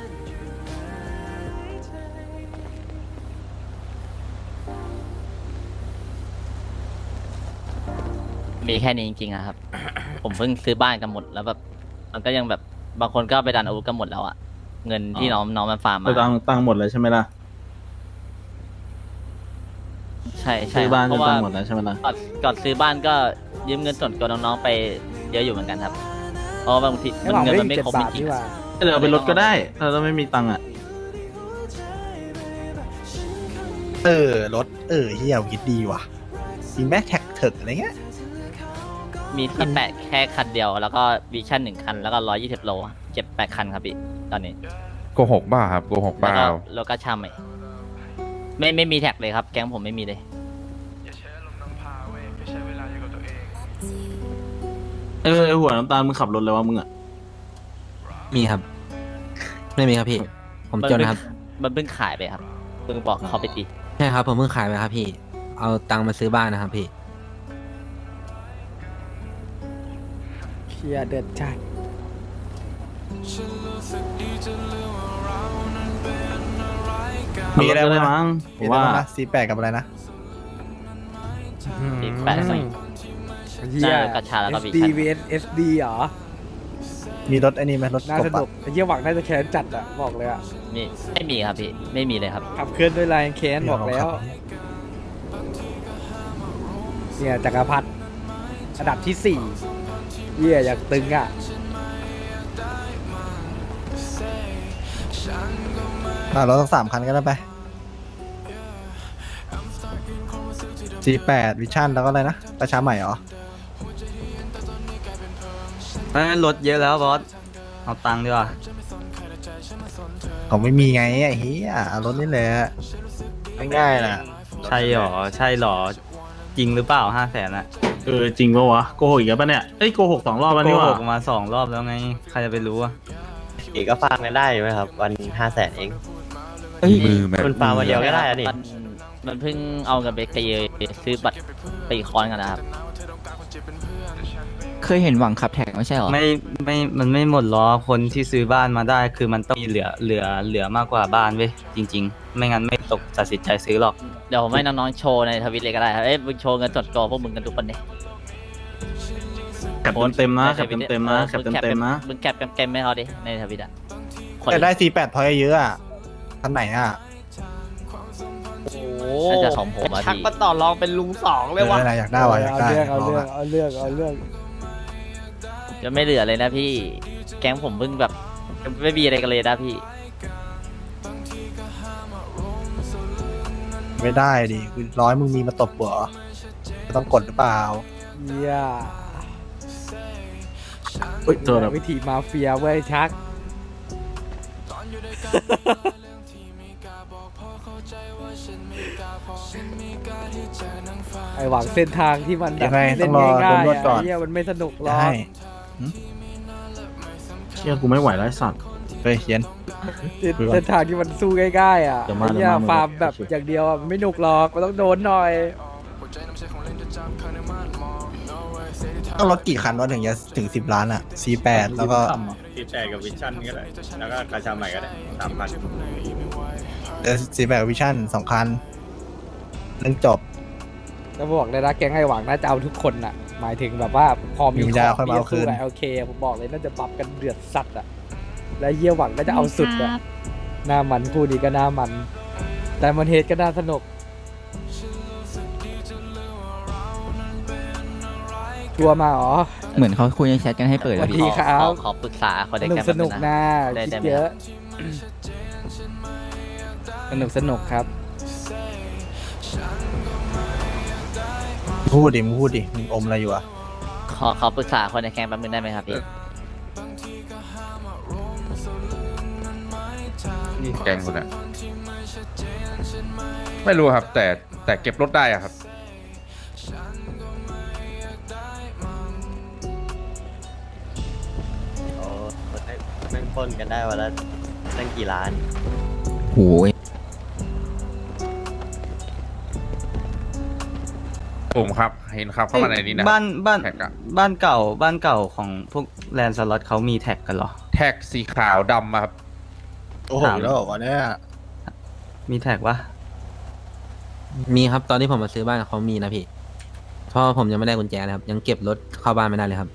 [SPEAKER 9] มีแค่นี้จริงๆอะครับ ผมเพิ่งซื้อบ้านกันหมดแล้วแบบมันก็ยังแบบบางคนก็ไปดันอาวุธกันหมดแล้วอะเงินที่น้องน้องมันฟาร์ม
[SPEAKER 6] ไป
[SPEAKER 9] มา
[SPEAKER 6] ตังค์ตังค์หมดเลยใช่ไหมล่ะ
[SPEAKER 9] ใช่ใช่
[SPEAKER 6] ซื้อบ้าน
[SPEAKER 9] เพ
[SPEAKER 6] จน
[SPEAKER 9] ราะว่า
[SPEAKER 6] ตังค์หมดแล้วใช่ไหมล่ะ
[SPEAKER 9] ก่อนก่อนซื้อบ้านก็ยืมเงินส่วนตัวน้องๆไปเยอะอยู่เหมือนกันครับ เพราะว่าบางที
[SPEAKER 2] ไอ้หวัง
[SPEAKER 9] เงิน
[SPEAKER 2] ได้
[SPEAKER 9] มันไม่
[SPEAKER 2] เจ็ด
[SPEAKER 9] ครบจ
[SPEAKER 2] บาท
[SPEAKER 9] ริง
[SPEAKER 2] นี่
[SPEAKER 9] ๆ
[SPEAKER 2] หว่า
[SPEAKER 9] อะ
[SPEAKER 6] เดี๋ยวเอาไปลดก็ได้ถ้าเราไม่มีตังค์อ่ะ
[SPEAKER 3] เออรถเออเฮียคิดดีว่ะมีแม็กแท็กเถิกอะไรเงี้ย
[SPEAKER 9] มีที่แปดแค่คันเดียว แล้วก็วิชั่นหนึ่งคันแล้วก็ร้อยยี่สิบโลเจ็ดแปดคันครับพี่ตอนนี้
[SPEAKER 12] โกหกบ้าครับโกหก
[SPEAKER 9] แล้ว
[SPEAKER 12] เปล่า
[SPEAKER 9] ก็โลก็ช่ำอีกไม่ไม่มีแท็กเลยครับ แก๊งผมไม่มีเลย
[SPEAKER 6] เออไอ้หัวน้ำตาลมึงขับรถเลยวะมึงอ่ะ
[SPEAKER 8] มีครับ ไม่มีครับพี่ ผมจนครับ
[SPEAKER 9] มันเพิ่งขายไปครับเพิ่งบอกเขาไปตี
[SPEAKER 8] ใช่ครับ ผมเพิ่งขายไปครับพี่ เอาตังค์มาซื้อบ้านนะครับพี่
[SPEAKER 2] เหี้ยเดือดจัด
[SPEAKER 6] มีอะไรได้มั้งผ
[SPEAKER 3] มี
[SPEAKER 6] ม
[SPEAKER 3] อะไร
[SPEAKER 6] ว่า
[SPEAKER 3] บ้างนะซีแปดกับอะไรนะ
[SPEAKER 9] อีกแปดสี่
[SPEAKER 2] เหี้ย
[SPEAKER 9] ได้กระชาแล้วก็
[SPEAKER 2] เอส
[SPEAKER 9] วิ
[SPEAKER 2] ดี
[SPEAKER 9] ชั่น
[SPEAKER 2] vs เอส ดี เหรอ
[SPEAKER 3] มีรถไอ้นี่ไหมรถ
[SPEAKER 2] น่าก
[SPEAKER 3] บ
[SPEAKER 2] ส
[SPEAKER 3] อะ
[SPEAKER 2] นุกไอ้เหี้ยหวังน่าจะแค้นจัดอะบอกเลยอะ
[SPEAKER 9] มีไม่มีครับพี่ไม่มีเลยครับ
[SPEAKER 2] ขับเคลื่อนด้วยลายแค้นบอกแล้ว เนี่ยจักรพรรดิอันดับที่สี่เหี้ยอยากตึงอะ
[SPEAKER 3] อ่ะรถสักสามคันก็ได้ไปซีแปดวิชั่นแล้วก็อะไรนะประชาใหม่เหรอ
[SPEAKER 5] รถเยอะแล้วบอส เอาตังค์ดีกว่า
[SPEAKER 3] ผมไม่มีไงไอ้เฮียเอารถนี่แหละง่ายๆนะ
[SPEAKER 5] ใช่หรอ ใช่หรอ จริงหรือเปล่าห้าแสนอะ
[SPEAKER 6] เออจริงปะวะโกหกอีกแล้วปะเนี่ยเอ้ยโกหกสองรอบแล้ว
[SPEAKER 5] โก
[SPEAKER 6] นี่ห
[SPEAKER 5] ห
[SPEAKER 6] ว่าก
[SPEAKER 5] มาสองรอบแล้วไง ใครจะไปรู้อะ
[SPEAKER 8] อีกก็ฟาร์มกันได้ไหมครับ วันห้าแสนเอง
[SPEAKER 12] มือแบบ
[SPEAKER 8] คุณฟาร์มวันเดียวก็ได้อะนี่
[SPEAKER 9] มันมันเพิ่งเอาเงินไปเคลียร์ซื้อบัตรตีคอนกันนะครับ
[SPEAKER 8] เคยเห็นหวังขับแท็กไม่ใช่หรอ
[SPEAKER 5] ไม่ไม่มันไม่หมดล้อคนที่ซื้อบ้านมาได้ คือมันต้องมีเหลือเหลือเหลือมากกว่าบ้านเว้ยจริง ๆ ไม่งั้นไม่ตกตัดสินใจซื้อหรอก
[SPEAKER 9] เดี๋ยวผมให้น้องๆโชว์ในทวิตเลยก็ได้ครับ เอ้ยมึงโชว์เงินสดตัวพวกมึงกันทุกคนเนี่ย
[SPEAKER 6] แคปเต็มๆนะแคปเต็มๆนะแคปเต็มๆนะ
[SPEAKER 9] มึงแคปเต็มๆให้เขาดิในทวิตอ่ะคน
[SPEAKER 3] แต่ได้ซีแปดพอยเยอะอ่ะคันไหนอ่ะ
[SPEAKER 1] โอ้
[SPEAKER 9] น่าจะของผมอะ
[SPEAKER 1] ชัก
[SPEAKER 9] พี่
[SPEAKER 1] มาต่อรองเป็นลุงสองเลย
[SPEAKER 3] เอ
[SPEAKER 1] วะ
[SPEAKER 3] ออะไรอยากได้วะอยาก
[SPEAKER 2] เอา
[SPEAKER 3] ได้
[SPEAKER 2] เรื่องเอา
[SPEAKER 3] ล
[SPEAKER 2] เรื่อง
[SPEAKER 3] อะ
[SPEAKER 2] เอาเรื่องเอาเรื่อง
[SPEAKER 9] จะไม่เหลือเลยนะพี่ แก๊งผมเพิ่งแบบไม่มีอะไรกันเลยนะพี่
[SPEAKER 3] ไม่ได้ดิกูร้อยมึงมีมาตบหัวเหรอต้องกดหรือเปล่า
[SPEAKER 2] เหี้ย
[SPEAKER 6] เฮ้ยโทษครับ
[SPEAKER 2] วิธีมาเฟียเว้ยชัก ไอหวังเส้นทางที่มันแบบ
[SPEAKER 3] ยังไง
[SPEAKER 2] เล่น
[SPEAKER 3] ต้องรอ
[SPEAKER 2] ง่าย
[SPEAKER 3] โดนนวด
[SPEAKER 2] ๆ
[SPEAKER 3] ก่
[SPEAKER 2] อ่ะ
[SPEAKER 3] อน
[SPEAKER 2] เหี้ยมันไม่สนุกหรอก
[SPEAKER 3] ได้
[SPEAKER 6] เชี่ยกูไม่ไหวแล้วไอ้สัตว์
[SPEAKER 3] เฮ้ยเย็น
[SPEAKER 2] เส้นทางที่มันสู้ง่ายๆอ่ะ
[SPEAKER 6] เดี๋ยวมา
[SPEAKER 2] ไอ้เหี้ย
[SPEAKER 6] เดี๋ยวมา
[SPEAKER 2] ฟาร์มแบบอย่างเดียวอ่ะมันไม่หนุกหรอกมันต้องโดนหน่อย
[SPEAKER 3] ต้องรถกี่คันวะถึงจะถึงสิบล้านอ่ะ ซีแปด แล้วก็
[SPEAKER 5] ซีแปดกับวิชั่นก็ได้แล้วก็กระชาใหม่ก็ได้สามพัน
[SPEAKER 3] ซีแปดวิชั่นสองคันเรื่องจบ
[SPEAKER 2] จะบอกเลยนะแก๊งไอหวังน่าจะเอาทุกคนอ่ะ หมายถึงแบบว่าพอมี
[SPEAKER 3] มีปัญญาค่อยมาเอาคืน
[SPEAKER 2] โอเคผมบอกเลยน่าจะปรับกันเดือดสัตว์อ่ะและเยี่ยหวังก็จะเอาสุดอ่ะหน้ามันคู่นี้ก็หน้ามัน แต่มันเฮดก็น่าสนุกชัวร์มาเหรอ
[SPEAKER 8] เหมือนเขาคุยในแชทกันให้เปิด
[SPEAKER 2] ส
[SPEAKER 8] อะ
[SPEAKER 2] วัส
[SPEAKER 8] พี่
[SPEAKER 2] ดีครับ
[SPEAKER 9] ขอขอปรึกษาคน
[SPEAKER 2] ส
[SPEAKER 9] ได้
[SPEAKER 2] นุก
[SPEAKER 9] แค่
[SPEAKER 2] สนุกนะ
[SPEAKER 9] ได้
[SPEAKER 2] คิด
[SPEAKER 9] ได้ไหม
[SPEAKER 2] เย
[SPEAKER 9] ค
[SPEAKER 2] อะ
[SPEAKER 9] รับ
[SPEAKER 2] สนุกสนุกครับ
[SPEAKER 3] พูดดิมึงพูดดิมึงอมอะไรอยู่อ่ะ
[SPEAKER 9] ขอขอปรึกษาคนในแก๊งแป๊บนึงได้ไหมครับพี่
[SPEAKER 12] นี่แกงคุณอะไม่รู้ครับ แต่แต่เก็บรถได้อะครับ
[SPEAKER 5] โอ้แม่งปล้นกันได้วันละตั้งกี่ล้าน
[SPEAKER 8] โอ้ย
[SPEAKER 12] ผมครับ เห็นครับเข้ามาในนี้นะ
[SPEAKER 5] บ้านบ้าน
[SPEAKER 12] แท็กอะ
[SPEAKER 5] บ้านเก่าบ้านเก่าของพวกแลนด์สล็อตเขามีแท็กกันเหรอ
[SPEAKER 12] แท็กสีขาวดำอะครับ
[SPEAKER 3] โอ้โหแล้วเหรอวะเนี่ย
[SPEAKER 5] มีแท็กวะ
[SPEAKER 8] มีครับตอนที่ผมมาซื้อบ้านเขามีนะพี่เพราะผมยังไม่ได้กุญแจเลยครับ ยังเก็บรถเข้าบ้านไม่ได้เลยครับ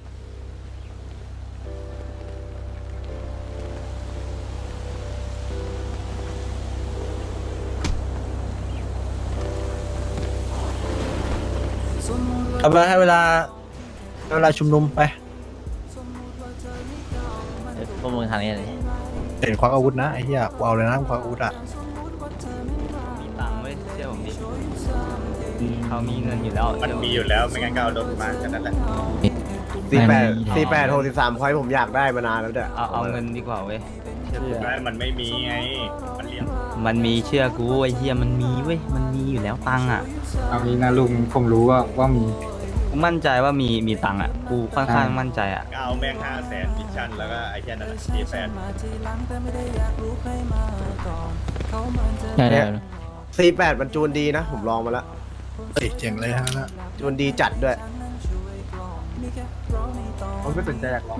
[SPEAKER 3] เอาไปให้เวลาให้เวลาชุมนุมไป
[SPEAKER 9] พวกมึงทางนี้เลย
[SPEAKER 3] เห็นควักอาวุธนะไอ้เหี้ยกูเอาเลยนะควักอาวุธอ่ะ
[SPEAKER 5] มีตังค์ไว้เชื่อผมดิเขามีเงินอยู่แล้วมันมีอยู่แล้วไม่งั้นก็เอารถมาแค่นั้นแหละ
[SPEAKER 4] สี่แปด
[SPEAKER 8] ไม่
[SPEAKER 4] สี่แปดหกสิบสามพอยผมอยากได้มานานแล้วเด้อ
[SPEAKER 5] เอาเอาเงินดีกว่าเว้ย
[SPEAKER 6] มันไม่มีไง มันเลี้ยง
[SPEAKER 5] มันมีเชื่อกูไอ้เฮียมันมีเว้ยมันมีอยู่แล้วตังค์อ่ะ
[SPEAKER 2] เอางี้นะลุงผมรู้ว่าว่ามี
[SPEAKER 5] กูมั่นใจว่ามีมีตังค์อ่ะกูค่อนข้างมั่นใจอ่ะ
[SPEAKER 6] เอาแม่งห้าแสนวิชั่นแล้วก็ไอ้แค่นั้นสี่แสน
[SPEAKER 8] ได้ได้
[SPEAKER 4] สี่แปดมันจูนดีนะ ผมลองมาแล้ว
[SPEAKER 3] เฮ้ยเจ๋งเลยฮะนะ
[SPEAKER 4] จูนดีจัดด้วย
[SPEAKER 2] ผมไม่สนใจอยากลอง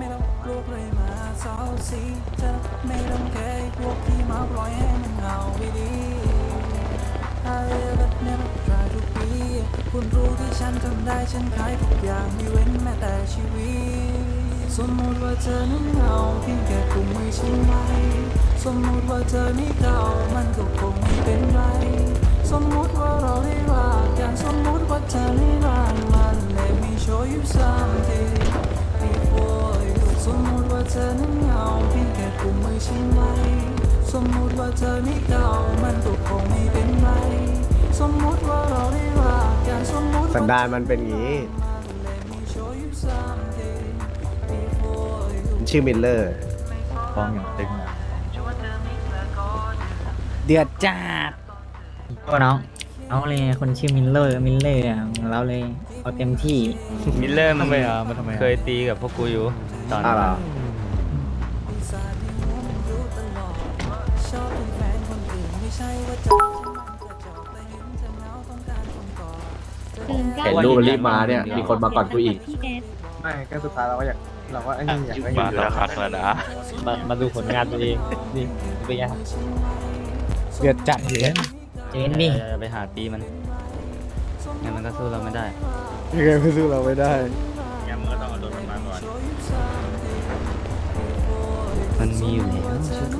[SPEAKER 11] คุณรู้ที่ฉันทำได้ฉันขายทุกอย่างไม่เว้นแม้แต่ชีวิตสมมติว่าเธอนั้นเหงาเพียงแค่กุมมือฉันไว้สมมติว่าเธอไม่เก่ามันก็คงไม่เป็นไรสมมติว่าเราได้รักกันสมมติว่าเธอไม่รักมัน Let me show you something before you สมมติว่าเธอนั้นเหงาเพียงแค่กุมมือฉันไว้สมมติว่าเธอไม่เก่ามันก็คงไม่เป็นไรสมมติว่าเราได้รักกันสมมติ
[SPEAKER 4] สันดานมันเป็นอย่างนี้ มันชื่อมิลเลอร์
[SPEAKER 6] ฟ้องอย่างตึงอะ
[SPEAKER 2] เดือดจัด
[SPEAKER 1] ก็น้องเอาเลยคนชื่อมิลเลอร์มิลเลอร์เราเลยเอาเต็มที่
[SPEAKER 5] มิลเลอร์มัน
[SPEAKER 2] ทำไมอ่ะมันทำไมอ่ะ
[SPEAKER 5] เคยตีกับพวกกูอยู่ตอน
[SPEAKER 4] อ่ะ
[SPEAKER 5] นั้น
[SPEAKER 4] เหรอ
[SPEAKER 10] เห็นรูปรีบมาเนี่ย มีคนมาก่อนกูอีก
[SPEAKER 2] ไม่ก็สุดท้ายเราก็อยากเราก็ไอ้นี่อยากได้
[SPEAKER 7] มาแล้วครับแล้วนะ
[SPEAKER 1] มามาดูผลงานตัวเองนี่เป็นไง
[SPEAKER 2] เดือดจัดเลย
[SPEAKER 1] เจนนี่
[SPEAKER 5] อย่าไปหาตีมันงั้นมันก็สู้เราไม่ได้
[SPEAKER 2] ยังไงไม่สู้เราไม่ได้
[SPEAKER 6] งั้นมึงก็ต้องเอารถมันมาก่อน
[SPEAKER 5] มันมีอยู่แล้วเชื่อกู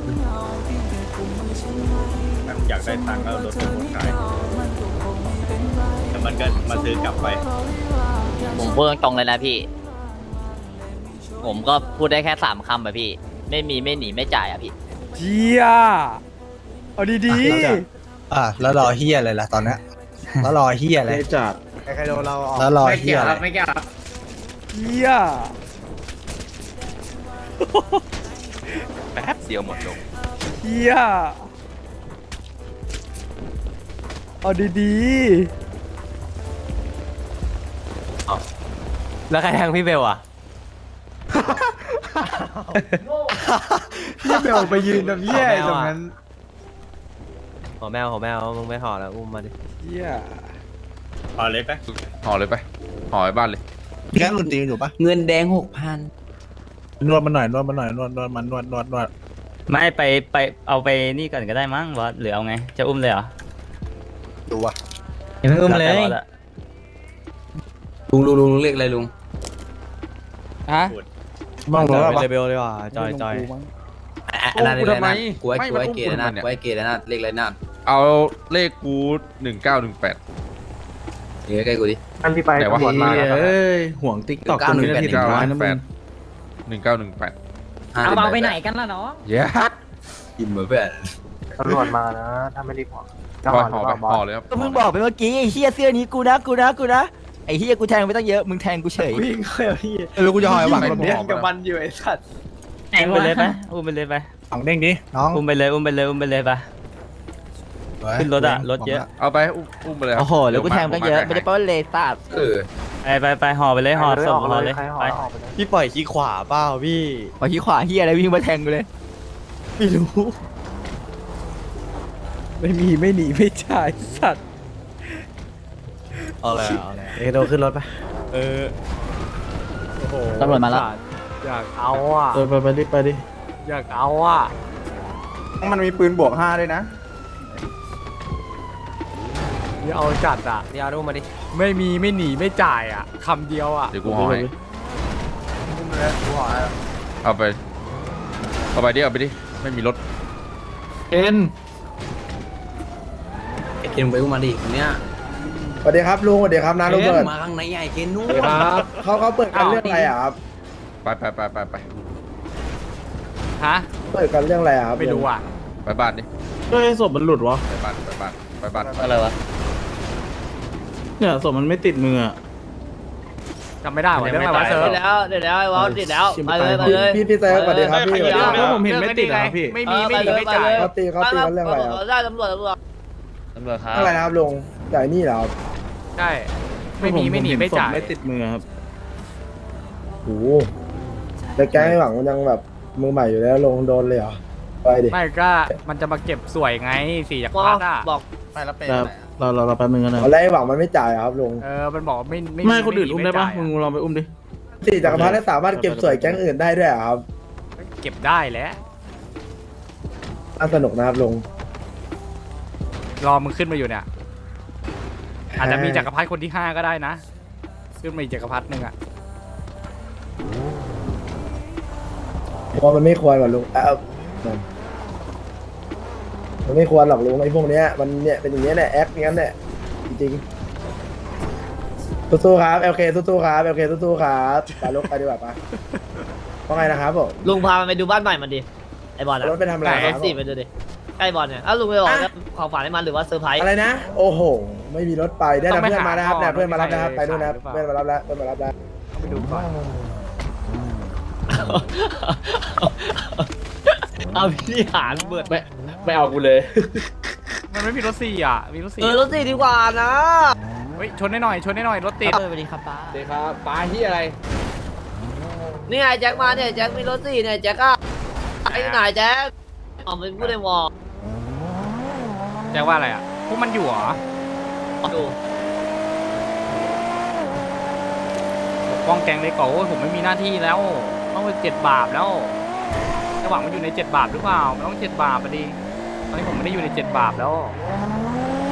[SPEAKER 6] ถ้ามึงอยากได้ตังค์ก็เอารถไปหมดขายแต่มันก็มาซื้อกลับไป
[SPEAKER 9] ผมพูดตรงๆเลยนะพี่ ผมก็พูดได้แค่สามคำอะพี่ ไม่มีไม่หนีไม่จ่ายอะพี่
[SPEAKER 2] เจียเอาดี
[SPEAKER 3] อ่ะแล้วจะ
[SPEAKER 2] ๆ
[SPEAKER 3] อ่ะแล้วรอเฮียอะไรล่ะตอนเนี้ยแล้วรอเฮียอะไร
[SPEAKER 6] ไม่จัด
[SPEAKER 4] ใครๆโดนเราออก
[SPEAKER 3] แล้วรอเฮียอะไร
[SPEAKER 2] เฮีย
[SPEAKER 7] แป๊บเดียวหมดลง
[SPEAKER 2] เฮียเอาดี
[SPEAKER 5] แล้วใครแทงพี่เบลอ่ะ
[SPEAKER 4] พี่เบลไปยืนตรงเหี้ยตรงนั้น
[SPEAKER 5] ห่อแมวห่อแมวมึงไปห่อแล้วอุ้มมาดิ
[SPEAKER 2] ๆเฮีย
[SPEAKER 12] ห่อเลยไปห่อไปห่อไปบ้านเลย
[SPEAKER 3] แก๊งดนตรีอยู่ปะ
[SPEAKER 8] เงินแดงหกพัน
[SPEAKER 3] นวดมันหน่อยนวดมันหน่อยนวดนวดมันนวดนวดนวด
[SPEAKER 5] ไม่ไปไปเอาไปนี่ก่อนก็ได้มั้งบอสหรือเอาไงจะอุ้มเลยเหรอ
[SPEAKER 3] ดูวะ
[SPEAKER 5] อย่าเพิ่งอุ้มเลย
[SPEAKER 8] ลุงลุงลุงเรียกอะไรลุง
[SPEAKER 2] ฮะ
[SPEAKER 3] บ้างแล้วปะ
[SPEAKER 5] เบลเลยว่ะจอยจอย
[SPEAKER 8] อันนั้น
[SPEAKER 12] กูทำไม
[SPEAKER 8] กูไอ้
[SPEAKER 12] ไม่
[SPEAKER 8] กู
[SPEAKER 12] มัน
[SPEAKER 8] ไอ้
[SPEAKER 12] อุ้ม
[SPEAKER 8] เก
[SPEAKER 12] กู
[SPEAKER 8] ด
[SPEAKER 12] ทำไม
[SPEAKER 8] นะ
[SPEAKER 12] เนี่ย
[SPEAKER 8] กูไอ้เกดนะเรียกอะไรนะ
[SPEAKER 12] เอาเลขกูหนึ่งเก้าหนึ่งแปด
[SPEAKER 8] เดี๋ยวใกล้กูดิ
[SPEAKER 4] อันที่ไป
[SPEAKER 12] ไหนวะ
[SPEAKER 4] ตำรวจมาแล้วครับ
[SPEAKER 6] เอ้ยห่วงติ๊กต็อก
[SPEAKER 8] เก้าหนึ่งแปด
[SPEAKER 6] ทีสุดท้ายนะมึง
[SPEAKER 12] หนึ่งเก้าหนึ่งแปด
[SPEAKER 8] เอาเอาไปไหนกันล่ะน้อง
[SPEAKER 12] เย้
[SPEAKER 8] กินเหมือนเพื่อน
[SPEAKER 4] ตำรวจมานะถ้าไม่รีบออก
[SPEAKER 12] ห่อห่อไปห่อเลยครับ
[SPEAKER 1] ก็มึงบอกไปเมื่อกี้ไอ้เฮียเสื้อนี้กูนะกูนะกูนะไอ้เฮียกูแทงไปตั้งเยอะมึงแทงกูเฉย
[SPEAKER 4] วิ่งเข้าไปพี่
[SPEAKER 3] เออกูจะหอยหวังแบบ
[SPEAKER 4] เนี้
[SPEAKER 3] นี้
[SPEAKER 4] ยกับมันอยู่ไอ้สัตว์
[SPEAKER 5] อุ้มไปเลยไปอุ้มไปเลยไป
[SPEAKER 3] หวังเด้งดิน้อง
[SPEAKER 5] อุ้มไปเลยอุ้มไปเลยอุ้มไปเลยไป ขึ้นรถอะรถเยอะ
[SPEAKER 12] เอาไปอุ้มอุ้มไปเลยครับ
[SPEAKER 1] โอ้โหแล้วกูแทงไปตั้งเยอะไม่ได้แปลว่าเลซ่า
[SPEAKER 8] เออ
[SPEAKER 5] ไปไปไปห่อไปเลยห่อศพห่อเลยไป
[SPEAKER 1] พี่ปล่อยขี้ขวาเปล่าพี่ปล่อยขี้ขวาเฮียอะไรวิ่งมาแทงกูเลยไม่รู้
[SPEAKER 2] ไม่มีไม่หนีไม่จ่ายสัตว์
[SPEAKER 1] เอาเลยเอาเลย
[SPEAKER 3] เอโดขึ้นรถไป
[SPEAKER 2] เออโอ้โห
[SPEAKER 9] ตำรวจมาแล้ว
[SPEAKER 2] อยากเอาอ่ะ
[SPEAKER 6] เออไปไปดิไปดิ
[SPEAKER 2] อยากเอาอ่ะ
[SPEAKER 4] มันมีปืนบวกห้าด้วยนะ
[SPEAKER 2] อย่าเอาจัดอ่ะ
[SPEAKER 5] เดี๋ยวอุ้มมาดิ
[SPEAKER 2] ไม่มีไม่หนีไม่จ่ายอ่ะคำเดียวอ่ะ
[SPEAKER 12] เดี๋ยวกูห่อให้เอาไปเอาไปดิเอาไปดิไม่มีรถ
[SPEAKER 6] เอ็น
[SPEAKER 8] ไอ้เกนไปอุ้มมาดิคนเนี้ย
[SPEAKER 4] สวัสดีครับลุงสวัสดีครับน้าโรเบิร์ต
[SPEAKER 8] มาข้างในไอ้เกนนู่น
[SPEAKER 6] ครับ
[SPEAKER 4] เขาเขาเปิดกันเรื่องอะไรอ่ะครับ
[SPEAKER 12] ไปไปไปไปไป
[SPEAKER 2] ฮะ
[SPEAKER 4] เปิดกันเรื่องอะไรอ่ะครับ
[SPEAKER 2] ไม่รู้อ่ะ
[SPEAKER 12] ไปบ้านดิ
[SPEAKER 6] เฮ้ยศพมันหลุดวะ
[SPEAKER 12] ไปบ้านไปบ้านไปบ้าน
[SPEAKER 5] อะไรวะ
[SPEAKER 6] เนี่ยศพมันไม่ติดมืออะ
[SPEAKER 2] จำไม่ได้ว่ะเรื่องอะไรวะเซิร์ฟ
[SPEAKER 1] เดี๋ยวแล้วเดี๋ยวแล้วไอ้วอลติดแล้วไปเลยไปเลย
[SPEAKER 4] พี่พี่เซิร์ฟสวัสดีครับพี่สวัสดีค
[SPEAKER 2] เรื่
[SPEAKER 4] รั
[SPEAKER 2] อง
[SPEAKER 4] บ
[SPEAKER 6] ผมเห็นไม่ติดอะครับพี่
[SPEAKER 2] ไม่มีไม่หนีไม่จ่าย
[SPEAKER 4] เขาตีเขาตีกันเรื่องอะไรครับ
[SPEAKER 1] ได้ตำรวจตำรวจ
[SPEAKER 5] ตำรวจครับ
[SPEAKER 4] เรื่องอะไรนะครับลุงจ่ายหนี่เหรอครับ
[SPEAKER 2] ใช่ไม่มีไม่หนีไม่จ่าย
[SPEAKER 6] ศพไม่ติดมือครับ
[SPEAKER 4] โอ้โหแต่แก๊งไอ้หวังมันยังแบบมือใหม่อยู่แล้วลงโดนเลยเหรอไปดิ
[SPEAKER 2] ไม่ก็มันจะมาเก็บสวยไงสี่จากพัดอ่ะ
[SPEAKER 1] บอก
[SPEAKER 3] ไปแล้วเป็น
[SPEAKER 6] แต่เราเราเราไปมึงกันนะ
[SPEAKER 4] เอาแล้วไอ้หวังมันไม่จ่ายอะครับลุง
[SPEAKER 2] เออมันบอกไม่ไม่
[SPEAKER 6] ไม่คนอื่นอุ้มได้ปะ
[SPEAKER 2] จ่าย
[SPEAKER 6] มึงลองไปอุ้มดิ
[SPEAKER 4] สี่จักรพรรดิสามารถเก็บสวยแก๊งอื่นได้ด้วยเหรอครับ
[SPEAKER 2] เก็บได้แล้ว
[SPEAKER 4] น่าสนุกนะครับลุง
[SPEAKER 2] รอมึงขึ้นมาอยู่เนี่ยอาจจะมีจักรพรรดิคนที่ห้าก็ได้นะขึ้นมาอีกจักรพรรดิหนึ่งอ่ะ
[SPEAKER 4] เพราะมันไม่ควรหรอกลุงเออมันไม่ควรหรอกลุงไอ้พวกเนี้ยมันเนี่ยเป็นอย่างเงี้ยแหละแอคอย่างนั้นแหละจริงๆสู้ๆครับโอเคสู้ๆครับโอเคสู้ๆครับไปลุกไปดีกว่าปะเพราะไงนะครับผม
[SPEAKER 1] ลุงพามันไปดูบ้านใหม่มันดิไอ้บอลอะ
[SPEAKER 4] รถไปทำอะไรค
[SPEAKER 1] ร
[SPEAKER 4] รั
[SPEAKER 1] ถ
[SPEAKER 4] บ
[SPEAKER 1] สี่ไปดูดิใกล้บอลเนี่ยอ้าวลุงไปบอกว่าของฝากให้มันหรือว่าเซอร์ไพรส์
[SPEAKER 4] อะไรนะ โอ้โห ไม่มีรถไปได้แต่เพื่อนมานะครับเนี่ยเพื่อนมารับนะครับไปนู่นนะครับเพื่อนมารับแล้วเพื่อนมารับแล้ว
[SPEAKER 2] ต้องไปดูก่อน
[SPEAKER 1] เอาพี่หารเบิดไป
[SPEAKER 6] ไม่เอากูเลย
[SPEAKER 2] มันไม่มีรถสี่อ่ะมีรถสี่
[SPEAKER 1] เออรถสี่ดีกว่านะ
[SPEAKER 2] เฮ้ยชนได้หน่อยชนได้หน่อยรถติด
[SPEAKER 1] เออสวัสดีครับป้า
[SPEAKER 6] เดี๋ยวครับปลาที่อะไร
[SPEAKER 1] นี่ไงแจ็คมาเนี่ยแจ็คมีรถสี่เนี่ยแจ็คอะไอ้ไหนแจ็คอ๋อเป็นผู้ในวอล
[SPEAKER 2] แจ้งว่าอะไรอ่ะพวกมันอยู่เหรอ
[SPEAKER 1] ดู
[SPEAKER 2] ป้องแกงเลยก่อนโอ้ยผมไม่มีหน้าที่แล้วต้องไปเจ็ดบาปแล้วระหว่างมันอยู่ในเจ็ดบาปหรือเปล่ามันต้องเจ็ดบาปพอดีตอนนี้ผมไม่ได้อยู่ในเจ็ดบาปแล้ว